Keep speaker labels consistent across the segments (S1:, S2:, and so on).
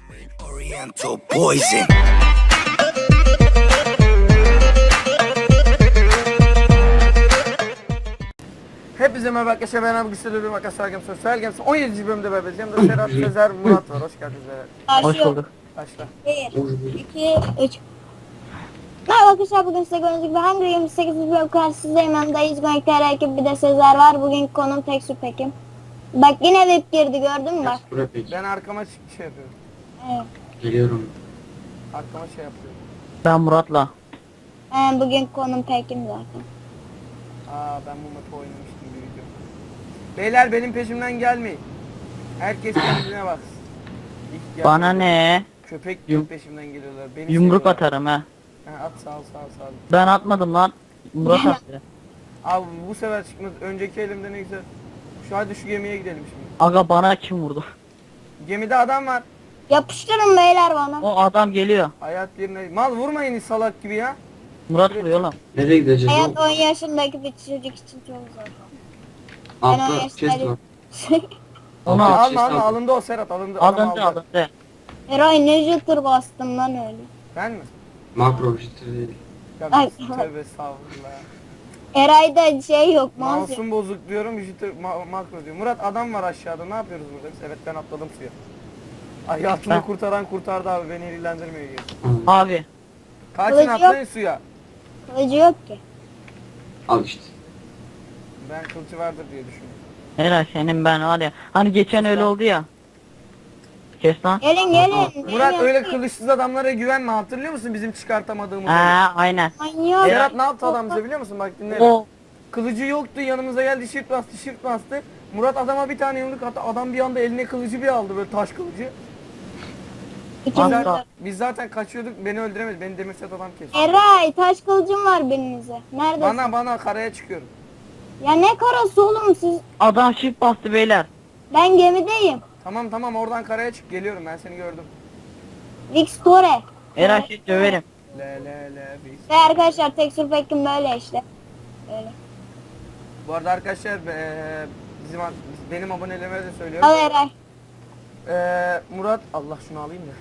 S1: Oriental poison.
S2: Hepinize merhaba arkadaşlar, ben abi Güçlü Makaslar Games Sosyal Games 17. bölümde beraber. Yanımda Serhat, Sezer, Murat var. Hoş geldiniz beyler.
S3: Hoş bulduk.
S2: Başla.
S3: 1, 2, 3. Merhaba arkadaşlar, bugün size gördüğünüz gibi Hunger Games 8. bölüm karşınızdayım. Yanımda İzgonikler ekip, bir de Sezer var. Bugünkü konum Tekstür Pekim. Bak yine web girdi, gördün mü bak.
S2: Ben arkama şey yapıyorum.
S3: Evet.
S4: Geliyorum.
S2: Arkama şey yapıyorum.
S5: Ben Murat'la.
S3: Bugünkü konum Pekim zaten.
S2: Ben bu mapı oynamıştım bir video. Beyler benim peşimden gelmeyin. Herkes kendine baksın.
S5: Bana ne?
S2: Köpek gibi peşimden geliyorlar. Beni
S5: Yumruk
S2: seviyorlar.
S5: atarım ha.
S2: At sağ ol.
S5: Ben atmadım lan. Murat attı.
S2: Abi bu sefer çıkmaz. Önceki elimde ne güzel. Hadi şu gemiye gidelim şimdi.
S5: Aga bana kim vurdu?
S2: Gemide adam var.
S3: Yapıştırın beyler bana.
S5: O adam geliyor.
S2: Hayat yerine. Mal vurmayın salak gibi ya.
S5: Murat vuruyor lan.
S4: Nereye gideceğiz?
S3: Hayat 10 yaşındaki bir çocuk için çok zor. Ben
S4: Altta
S3: 10
S4: chest
S3: yaşındayım.
S4: var.
S5: Onu
S4: Altta
S5: al.
S4: chest
S2: Alma
S4: var.
S2: alındı o Serhat alındı. Adam
S5: Alındı
S2: aldı.
S5: alındı.
S3: Eray ne jıtır bastım lan öyle.
S2: Ben mi?
S4: Makro jitter değil.
S2: Ya
S3: Ay.
S2: tövbe estağfurullah.
S3: Eray'da şey yok, mouse yok.
S2: Mouse'um bozuk diyorum, jitter makro diyor. Murat adam var aşağıda, ne yapıyoruz burada biz? Evet ben atladım suya. Hayatını
S5: Ben-
S2: kurtaran kurtardı abi, beni ilgilendirmiyor diyor.
S5: Abi.
S2: Kaçın
S3: Kılıcı
S2: atlayın suya.
S3: Kılıcı yok ki.
S4: Al işte.
S2: Ben kılıcı vardır diye düşünüyorum.
S5: Eray senin ben var ya. Hani geçen öyle oldu ya. Kes lan.
S3: Gelin.
S2: Murat
S3: gelin.
S2: öyle kılıçsız adamlara güvenme, hatırlıyor musun bizim çıkartamadığımız?
S5: Aynen.
S3: Manyak.
S2: Serhat ne yaptı adam bize biliyor musun? Bak dinle.
S5: O
S2: Kılıcı yoktu, yanımıza geldi, shift bastı. Murat adama bir tane yumruk attı, adam bir anda eline kılıcı bir aldı, böyle taş kılıcı.
S3: İkimiz
S5: Kanka.
S3: de.
S2: Biz zaten kaçıyorduk, beni öldüremedi, beni demirset adam kesti.
S3: Eray taş kılıcım var birinize. Neredesin?
S2: Bana karaya çıkıyorum.
S3: Ya ne karası oğlum siz?
S5: adam shift bastı beyler.
S3: Ben gemideyim.
S2: Tamam oradan karaya çık, geliyorum, ben seni gördüm.
S3: Victore.
S5: Eray şey döverim.
S2: Le
S3: Ve arkadaşlar tekstür pekim böyle işte. Böyle.
S2: Bu arada arkadaşlar benim abonelerime de söylüyorum.
S3: Al Eray.
S2: Murat Allah şunu alayım da.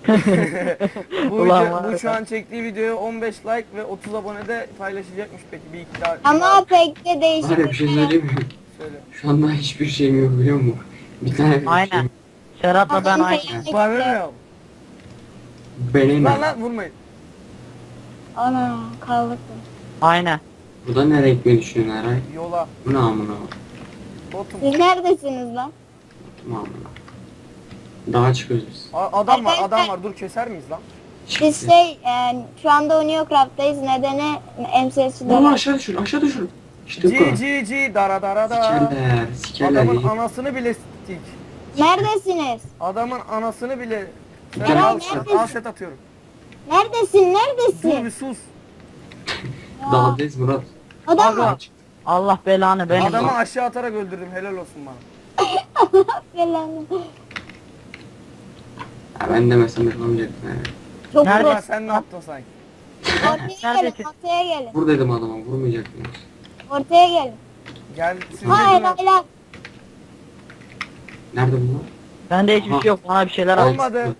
S5: Ulan var
S2: bu
S5: ya.
S2: şu an çektiği videoya 15 like ve 30 abonede paylaşacakmış, peki bir iki daha
S3: Ama pek de
S4: Var ya
S3: değişik.
S4: bir şey söyleyeyim mi?
S2: söyle.
S4: Şu anda hiçbir şeyim yok biliyor musun? Bir tane bir
S5: Aynen.
S4: şeyim.
S5: Serhat'la ben aynı.
S2: Bana ne?
S4: Benim.
S2: Lan vurmayın.
S3: Ana kaldık.
S5: Aynen.
S4: Burada nereye gitmeyi düşünüyorsun Eray?
S2: Yola.
S4: Bu ne amına?
S2: Botum.
S3: Siz neredesiniz lan?
S4: Bu amına. Daha çıkıyoruz biz.
S2: Adam var
S3: Arkadaşlar-
S2: dur, keser miyiz lan?
S3: Biz şu anda Uniocraft'tayız. Nedeni MCS'de.
S4: Oğlum aşağı düşür. İşte bu kadar.
S2: G dara da.
S4: Sikerler
S2: Adamın
S4: yiyip.
S2: anasını bile stik.
S3: Neredesiniz?
S2: Adamın anasını bile.
S4: Eray,
S2: Sen
S3: neredesin?
S2: al set atıyorum.
S3: Neredesin?
S2: Dur
S3: Neredesin?
S2: bir sus.
S4: Dağdayız Murat.
S3: Adam
S2: Aga.
S3: mı?
S5: Allah belanı benim.
S2: Adamı aşağı atarak öldürdüm, helal olsun bana.
S3: Falan.
S4: Ya ben demesem yapamayacaktın Eray.
S3: Çok
S5: Nerede?
S2: Ulan
S3: vurur.
S2: sen ne yaptın sanki?
S3: Ortaya gelin.
S5: Neredesin?
S3: Ortaya gelin.
S4: Buradaydım adama vurmayacaktın.
S3: Ortaya gelin.
S2: Gel siz
S3: Hayır
S2: dedin
S3: hayır.
S4: Nerede bunlar?
S5: Bende hiçbir şey yok. Bana bir şeyler al.
S2: Olmadı.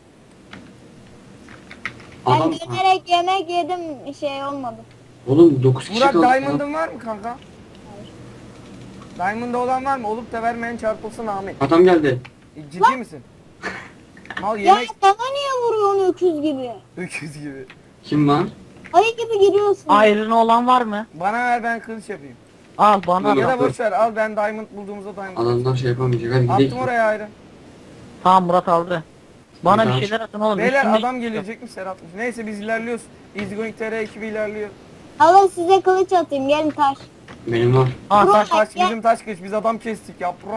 S3: Ben
S4: Adam.
S3: dönerek yemek yedim, şey olmadı.
S4: Oğlum 9 kişi
S2: Murat
S4: kaldı.
S2: Diamond'ın var mı kanka? Diamond'da olan var mı? Olup da vermeyen çarpılsın Ahmet.
S4: Adam geldi.
S2: Ciddi misin? Mal
S3: Ya
S2: yemek
S3: bana niye vuruyorsun öküz gibi?
S2: öküz gibi.
S4: Kim lan?
S3: Ayı gibi giriyorsun.
S5: Ayrını olan var mı?
S2: Bana ver, ben kılıç yapayım.
S5: Al bana
S4: Yok.
S2: Ya
S5: da.
S2: da boş ver, al, ben diamond bulduğumuzda diamond.
S4: Adamdan şey yapamayacak. Hadi
S2: Attım
S4: gidelim.
S2: oraya ayrı.
S5: Tamam Murat aldı. Bana
S4: Tamam.
S5: bir şeyler atın oğlum.
S2: Beyler
S5: üstüme-
S2: adam gelecekmiş, Serhat'mış. Neyse biz ilerliyoruz. Easygoing TR ekibi ilerliyor.
S3: Alın size kılıç atayım, gelin taş.
S4: Benim var.
S5: Aa,
S3: Murat,
S5: taş-
S2: Bizim taş kılıç, biz adam kestik yaprom.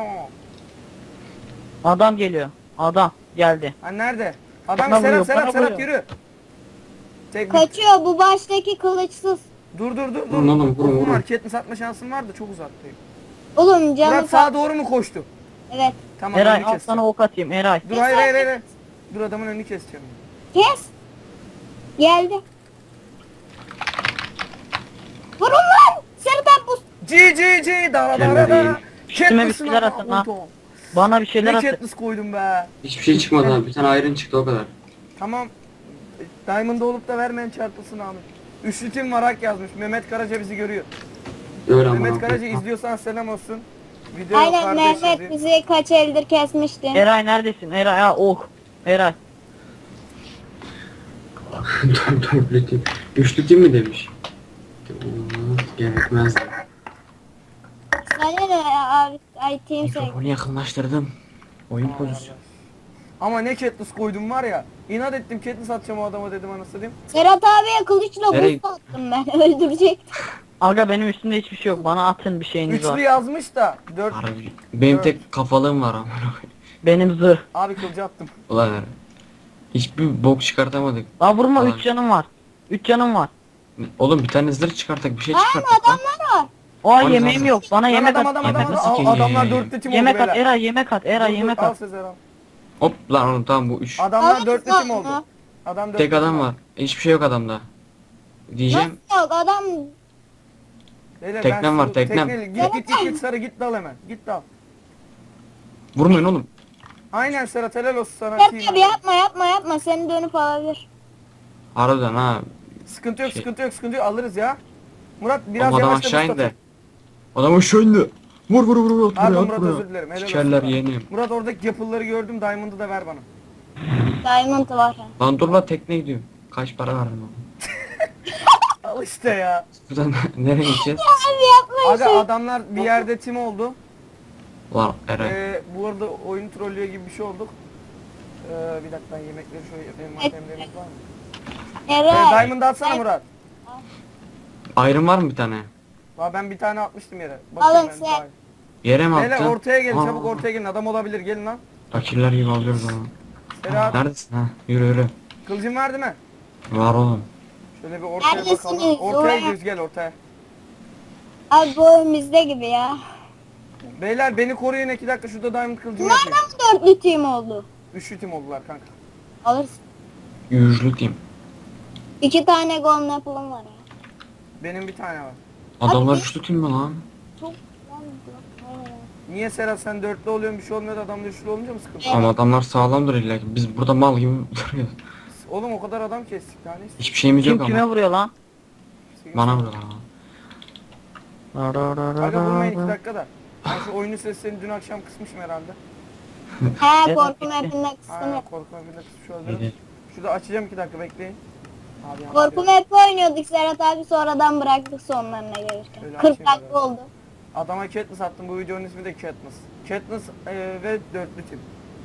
S5: adam geliyor. Adam geldi.
S2: Ha nerede? Adam
S5: Bana vuruyor,
S2: Serhat
S5: bana vuruyor.
S2: yürü. Tek
S3: Kaçıyor bu baştaki kılıçsız.
S2: dur.
S4: Vurun oğlum, vurun.
S2: Okum var, ketini satma şansım var da çok uzaktayım.
S3: Oğlum canı
S2: Murat sağa doğru mu koştu?
S3: Evet.
S2: Tamam,
S5: Eray
S2: önünü
S5: al
S2: keseceğim.
S5: sana ok atayım Eray.
S2: Dur hayır. Dur, adamın önünü keseceğim.
S3: Kes. Geldi. Vurun lan. Serhat bu.
S2: G da.
S4: Kemeriyim.
S5: Üstüme bir şeyler atın ha. Bana bir şeyler
S2: Ne
S5: at.
S2: Katniss koydum be.
S4: Hiçbir şey çıkmadı abi. Bir tane iron çıktı o kadar.
S2: Tamam. Diamond olup da vermeyen çarpılsın abi. Üçlü tim var hak yazmış. Mehmet Karaca bizi görüyor.
S4: Öyle ama.
S2: Mehmet Karaca izliyorsan selam olsun. Video
S3: Aynen
S2: kardeş
S3: Mehmet
S2: yazıyor.
S3: bizi kaç eldir kesmişti.
S5: Eray neredesin? Eray ha oh. Eray.
S4: Dörtlü tim. Üçlü tim mi demiş? Gerekmezdi.
S3: Sana ne ay team say.
S4: Mikrofonu yakınlaştırdım. Oyun
S2: Aman
S4: pozisyonu.
S2: arkadaş. Ama ne Katniss koydum var ya. İnat ettim Katniss atacağım o adama dedim anasını diyeyim.
S3: Serhat abiye kılıçla
S4: Nereye-
S3: buz attım ben öldürecektim.
S5: Aga benim üstümde hiçbir şey yok. Bana atın bir şeyiniz
S2: Üçlü
S5: var.
S2: yazmış da 4
S4: Harbi. Benim tek kafalığım var ama.
S5: Benim zırh.
S2: abi kılıcı attım.
S4: Ulan herif. Hiçbir bok çıkartamadık.
S5: La vurma
S4: Ulan.
S5: 3 canım var. 3 canım var.
S4: Oğlum bir tane zırh çıkartak bir şey
S3: Aynen
S4: çıkartak lan.
S3: adamlar var.
S5: Aa
S4: Oğlum
S5: yemeğim
S4: zaten-
S5: yok. Bana
S2: Lan
S5: yemek
S2: adam
S5: at.
S2: adam
S5: Yemek
S2: adam,
S5: at.
S2: adam.
S4: Sikeyim.
S2: Adamlar 4'lü tim oldu
S5: Yemek at
S2: beyler.
S5: Eray yemek at. Eray yemek
S2: Al
S5: at.
S2: Sezer al.
S4: Hop lan oğlum tamam bu 3.
S2: Adamlar
S3: Alırız
S2: 4'lü
S3: lan
S2: tim oldu.
S3: bunu.
S2: Adam 4'lü
S4: Tek
S2: tim
S4: adam
S2: oldu.
S4: var. Hiçbir şey yok adamda. Diyeceğim.
S3: Nasıl yok adam
S2: Beyler,
S4: Teknem
S2: ben
S4: var,
S2: şu
S4: teknem.
S2: tekneyle- Git sarı git dal hemen. Git dal.
S4: Vurmayın oğlum.
S2: Aynen Serhat helal olsun sana.
S3: Serhat
S2: team
S3: abi yapma seni dönüp alabilir.
S4: Harbiden ha.
S2: Sıkıntı yok
S4: Şey-
S2: sıkıntı yok alırız ya. Murat biraz
S4: Oğlum adam
S2: yavaşla
S4: aşağı
S2: Mustafa.
S4: indi. Adam aşağı indi. Vur at
S2: Pardon
S4: buraya at
S2: Murat
S4: buraya.
S2: özür dilerim. Helal
S4: Sikerler
S2: olsun.
S4: yeğenim.
S2: Murat oradaki yapıları gördüm. Diamond'ı da ver bana.
S3: Diamond var.
S4: Lan dur la tekne gidiyor. Kaç para verdin oğlum?
S2: Al işte ya.
S4: Buradan nereye gideceğiz?
S3: Abi yapma
S2: Aga
S3: şey.
S2: adamlar bir yerde tim oldu.
S4: Lan Eren.
S2: Bu arada oyun trollüyor gibi bir şey olduk. Bir dakika ben yemekleri şöyle yapayım. Matemlerimiz var mı?
S3: Eray.
S2: Diamond'ı atsana Murat.
S4: Iron var mı bir tane?
S2: Ben bir tane atmıştım yere.
S3: Alın
S2: Bakayım ben
S3: sen.
S2: daha-
S4: Yere mi
S2: Beyler
S4: attın?
S2: ortaya gelin
S4: Aa.
S2: çabuk ortaya gelin. Adam olabilir gelin lan.
S4: Fakirler gibi alıyoruz onu.
S2: Serhat
S4: Neredesin ha? Yürü.
S2: kılıcın var değil mi?
S4: Var oğlum.
S2: Şöyle bir ortaya
S3: Neredesiniz?
S2: bakalım. Ortaya
S3: Oraya.
S2: gidiyoruz gel ortaya.
S3: Abi bu oyun bizde gibi ya.
S2: Beyler beni koruyun 2 dakika şurada diamond kılıcımı yapayım.
S3: Nereden dörtlü team oldu?
S2: Üçlü tim oldular kanka.
S3: Alırsın.
S4: Yüzlü diyeyim.
S3: 2 tane golden apple'ım var ya.
S2: Benim bir tane var.
S4: Adamlar
S3: Abi-
S4: üçlü değil mi lan?
S3: Çok
S2: Niye Serhat sen dörtlü oluyorsun bir şey olmuyor da adam da üçlü olunca mı sıkıntı?
S4: Ama adamlar sağlamdır illa ki. Biz burada mal gibi duruyoruz.
S2: Oğlum o kadar adam kestik daha neyse.
S4: Hiçbir şeyimiz
S5: Kim
S4: yok
S5: kime
S4: ama.
S5: vuruyor lan?
S4: Bana vuruyorlar ama.
S2: Aga vurmayın 2 dakikada. Ben şu oyunun seslerini dün akşam kısmışım herhalde.
S3: He
S5: Evet.
S3: korkum hepinde kıstım.
S2: Aynen korkma bir de kısmış olabilirim.
S4: İyi.
S2: Şurada açacağım 2 dakika bekleyin. Abi yanlış
S3: Korkum
S2: yere-
S3: hep oynuyorduk Serhat abi sonradan bıraktık sonlarına gelirken.
S2: Öyle
S3: 40
S2: açayım
S3: dakika
S2: böyle.
S3: oldu.
S2: Adama Katniss attım bu videonun ismi de Katniss. Katniss ve dörtlü tim.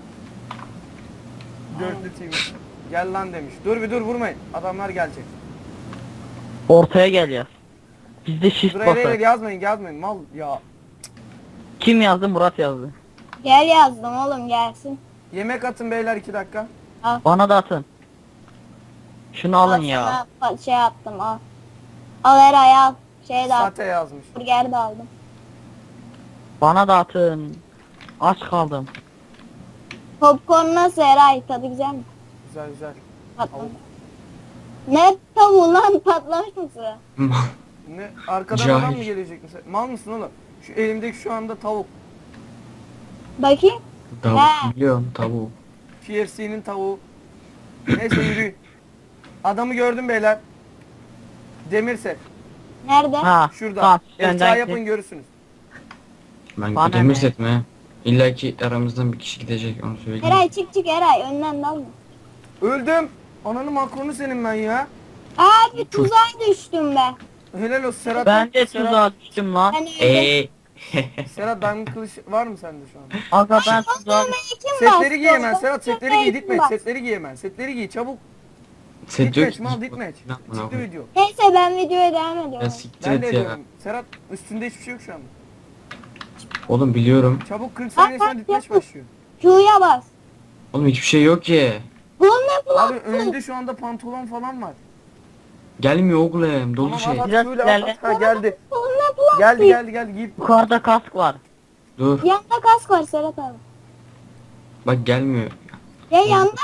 S2: Dörtlü tim. Gel lan demiş. Dur bir dur vurmayın. Adamlar gelecek.
S5: Ortaya gel ya. Bizde shift
S2: Dur hele
S5: basar.
S2: yazmayın mal ya.
S5: Kim yazdı? Murat yazdı.
S3: Gel yazdım oğlum gelsin.
S2: Yemek atın beyler 2 dakika.
S5: Bana da atın. Şunu alın
S3: Al
S5: ya.
S3: sana şey attım al. Al Eray al. Şey de al.
S2: Sate yazmış.
S3: Burger de aldım.
S5: Bana da atın. Aç kaldım.
S3: Popcorn nasıl Eray? Tadı güzel mi?
S2: Güzel güzel.
S3: Patlamış. Ne tavuğu lan patlamış mısın?
S2: Ne arkadan
S4: Cahil.
S2: adam mı gelecek mesela? Mal mısın oğlum? Şu elimdeki şu anda tavuk.
S3: Bakayım.
S4: Tavuk
S3: He.
S4: biliyorum tavuğu.
S2: KFC'nin tavuğu. Neyse yürüyün. Adamı gördüm beyler. Demirse.
S3: Nerede?
S5: Ha.
S2: Şurada.
S5: Tamam.
S2: Efta
S5: Önden
S2: yapın görürsünüz.
S4: Ben
S5: Bana
S4: demir
S5: ne?
S4: set mi? İlla ki aramızdan bir kişi gidecek onu söyleyeyim.
S3: Eray çık Eray önden dalma.
S2: Öldüm. Ananın makronu senin ben ya.
S3: Abi tuzağa düştüm be.
S2: Helal olsun Serhat.
S5: Ben de
S2: Serhat,
S5: tuzağa düştüm lan.
S3: Ben öldüm.
S2: Serhat diamond kılıç var mı sende şu an?
S5: Aga ben tuzağa
S3: Bana kim bastı?
S2: Setleri giy hemen Serhat setleri giy
S3: Kim
S2: ditmeç
S3: bastı?
S2: setleri giy hemen setleri giy çabuk.
S4: Set yok.
S2: Ditmeç mal ditmeç.
S4: Ne yapma, ne
S2: Çıktı
S4: yapma.
S2: video.
S3: Neyse ben videoya devam
S4: Ya
S3: ediyorum.
S4: siktir
S2: Ben de
S4: et ya.
S2: ediyorum. Serhat üstünde hiçbir şey yok şu anda.
S4: Oğlum biliyorum.
S2: Çabuk 40 saniye sonra ditmeç başlıyor.
S3: Q'ya bas.
S4: Oğlum hiçbir şey yok ki.
S3: Golden apple
S2: Abi
S3: attı.
S2: önünde şu anda pantolon falan var.
S4: Gelmiyor oğlum dolu
S2: Tamam,
S4: şey.
S2: at,
S5: Biraz
S2: böyle
S5: ilerle.
S2: at. Ha, geldi.
S3: Golden apple attı.
S2: Geldi giyip.
S5: yukarıda kask var.
S4: Dur.
S3: Yanda kask var Serhat abi.
S4: Bak gelmiyor.
S3: Ya yanda.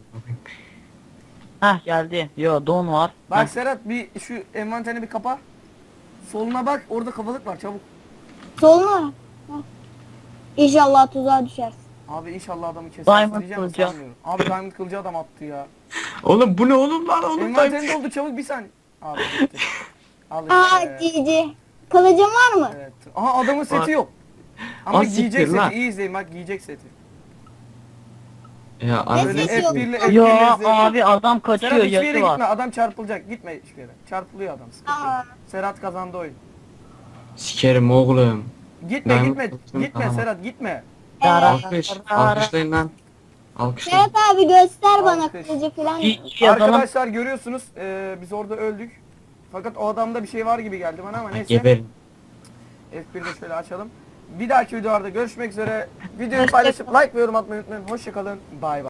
S5: Heh geldi. Yo don var.
S2: Bak
S5: Heh.
S2: Serhat bir şu envanterini bir kapa. Soluna bak orada kafalık var çabuk.
S3: Soluna. İnşallah tuzağa düşersin.
S2: Abi inşallah adamı kesersin
S5: Diamond
S2: diyeceğim de
S5: kılıcı.
S2: sanmıyorum. Abi Diamond kılıcı adam attı ya.
S4: Oğlum bu ne oğlum lan oğlum?
S2: Envanterin doldu çabuk bir saniye. Abi gitti. Al
S3: Aa
S2: işte.
S3: GG. Kılıcın var mı?
S2: Evet. Aha adamın seti yok. Ama
S4: Az
S2: giyecek
S4: siktir
S2: seti.
S4: lan.
S2: İyi izleyin bak giyecek seti.
S4: Ya
S2: Böyle
S3: sesi yok?
S2: F1'li F1'li
S5: Ya
S2: izleyin.
S5: abi adam kaçıyor,
S2: Serhat hiçbir yere
S5: yatı
S2: gitme.
S5: var.
S2: Adam çarpılacak. Gitme hiçbir yere. Çarpılıyor adam. Sıkıntı yok.
S3: Aa.
S2: Serhat kazandı oyun.
S4: sikerim oğlum.
S2: Gitme
S4: Diamond
S2: gitme.
S4: kılıcını
S2: Gitme
S4: alamam.
S2: Serhat gitme.
S4: Alkış. Alkışlayın lan. Alkışlayın.
S3: Serhat abi göster bana
S2: Alkış.
S3: kılıcı falan.
S5: Yazalım.
S2: Arkadaşlar görüyorsunuz biz orada öldük. Fakat o adamda bir şey var gibi geldi bana ama neyse.
S4: Geberin.
S2: F1'de şöyle açalım. Bir dahaki videolarda görüşmek üzere. Videoyu paylaşıp like ve yorum atmayı unutmayın. Hoşçakalın. Bay bay.